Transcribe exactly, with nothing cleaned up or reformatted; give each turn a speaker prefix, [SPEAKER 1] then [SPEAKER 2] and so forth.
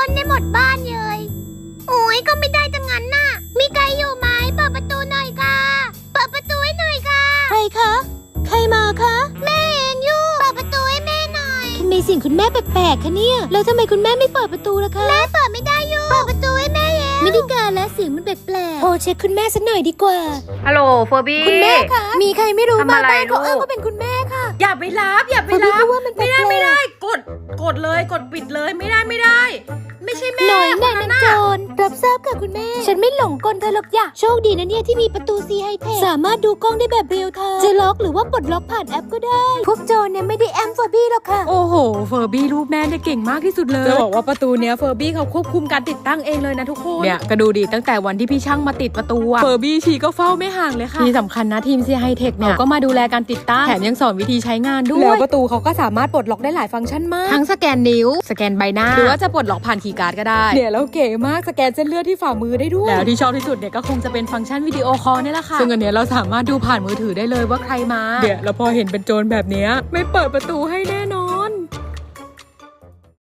[SPEAKER 1] ได้หมดบ้านเลยโอ้ยก็ไม่ได้จังงั้นน่ะมีใครอยู่ไหมเปิดประตูหน่อยค่ะเปิดประตูให้หน่อยค่ะใครคะใครมาคะแม่เองอยู่เปิดประตูให้แม่หน่อยทำไมสิ่งคุณแม่แปลกๆคะเนี่ยแล้วทำไมคุณแม่ไม่เปิดประตูล่ะคะแม่เปิดไม่ได้อยู่เปิดประตูให้แม่เองไม่ได้การแล้วเสียงมันแปลกๆโทรเช็คคุณแม่สักหน่อยดีกว่า
[SPEAKER 2] ฮัลโหลเฟอร์บี้
[SPEAKER 1] คุณแม่คะมีใครไม่รู้
[SPEAKER 2] ทำ
[SPEAKER 1] มา
[SPEAKER 2] อะไร
[SPEAKER 1] บ้านเขา
[SPEAKER 2] ลูก
[SPEAKER 1] อ้างว่าเป็นคุณแม่ค่ะ
[SPEAKER 2] อย่าไปรับอย่าไป
[SPEAKER 1] เฟอร์บี้
[SPEAKER 2] รับ
[SPEAKER 1] ก็ว่ามันแปล
[SPEAKER 2] ไม่
[SPEAKER 1] ก
[SPEAKER 2] ได้
[SPEAKER 1] ๆ
[SPEAKER 2] ไม่ได้กดกดเลยกดปิดเลยไม่ได้ไม่ได้ ไม่ใช่แม่
[SPEAKER 1] หน่อย
[SPEAKER 2] ค
[SPEAKER 1] แน่
[SPEAKER 2] น
[SPEAKER 1] นั
[SPEAKER 2] นั้น
[SPEAKER 1] นโจ
[SPEAKER 2] น่ะ
[SPEAKER 1] รรับทราบค่ะคุณแม่ฉันไม่หลงกลเธอหรอกอย่าโชคดีนะเนี่ยที่มีประตูซีไฮเทคสามารถดูกล้องได้แบบเรียลไทม์จะล็อกหรือว่าปลดล็อกผ่านแอปก็ได้พวกโจรเนี่ยไม่ได้แอมเฟอร์บี้หรอกค่ะ
[SPEAKER 2] โอ้โหเฟอร์บี้ลูกแม่เนี่ยเก่งมากที่สุดเลยจะบอกว่าประตูเนี้ยเฟอร์บี้เขาควบคุมการติดตั้งเองเลยนะทุกคนเนี่ยก็ดูดิตั้งแต่วันที่พี่ช่างมาติดประตูอะเฟอร์บี้ชีก็เฝ้าไม่ห่างเลยค่ะที่สำคัญนะทีมซีไฮเทคเนี่ยก็มาดูแลการติดตั้งแถมยังสอนวิธีใช้งานด้วยแล้วประตูเขาก็สามารถปลดล็อกได้หลายฟังก์ชันมากทั้งสแกนนิ้วสแกนใบหน้าหรือว่าจะปลดล็อกผ่านคีย์การ์ดก็ได้เนี่ยแล้วเก๋มากสแกนเส้นเลือดที่ฝ่ามือได้ด้วยแล้วที่ชอบที่สุดเนี่ยก็คงจะเป็นฟังก์ชันวิดีโอคอลนี่แหละค่ะซึ่งอันเนี้ยเราสามารถดูผ่านมือถือได้เลยว่าใครมาเดี๋ยวแล้วพอเห็นเป็นโจรแบบเนี้ยไม่เปิดประตูให้แน่